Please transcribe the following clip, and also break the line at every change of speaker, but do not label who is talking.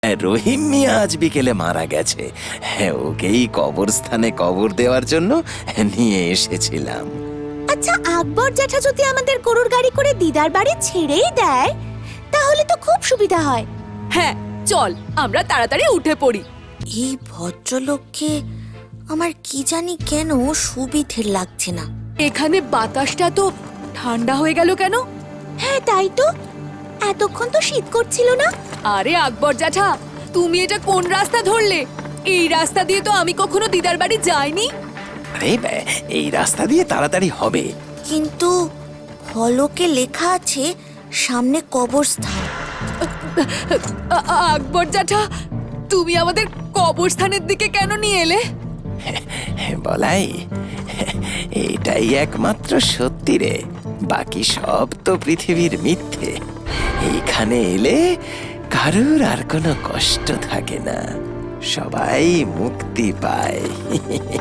রহিম মিয়া আজ বিকেলে মারা গেছে। হ্যাঁ, ওকেই কবরস্থানে কবর দেওয়ার জন্য নিয়ে এসেছিলাম।
আচ্ছা, আকবর জ্যাঠা যদি আমাদের গরুর গাড়ি করে দিদার বাড়ি ছেড়েই দেয় তাহলে তো খুব সুবিধা হয়।
হ্যাঁ, চল আমরা তাড়াতাড়ি উঠে পড়ি।
এই ভদ্রলোককে আমার কি জানি কেন সুবিধের লাগছে না।
এখানে বাতাসটা তো ঠান্ডা হয়ে গেল কেন?
হ্যাঁ তাই তো, এতক্ষণ তো শীত করছিল না।
আরে আকবর জ্যাঠা, তুমি এটা কোন রাস্তা ধরলে? এই রাস্তা দিয়ে তো আমি কখনো দিদার বাড়ি যাইনি।
আরে এই রাস্তা দিয়ে তাড়াতাড়ি হবে।
কিন্তু ফলকে লেখা আছে সামনে কবরস্থান।
আকবর জ্যাঠা, তুমি আমাদের কবরস্থানের দিকে কেন নিয়ে এলে?
বলাই, এটাই একমাত্র সত্যি রে, বাকি সব তো পৃথিবীর মিথ্যে। এইখানে এলে কারুর আর কোনো কষ্ট থাকে না, সবাই মুক্তি পায়।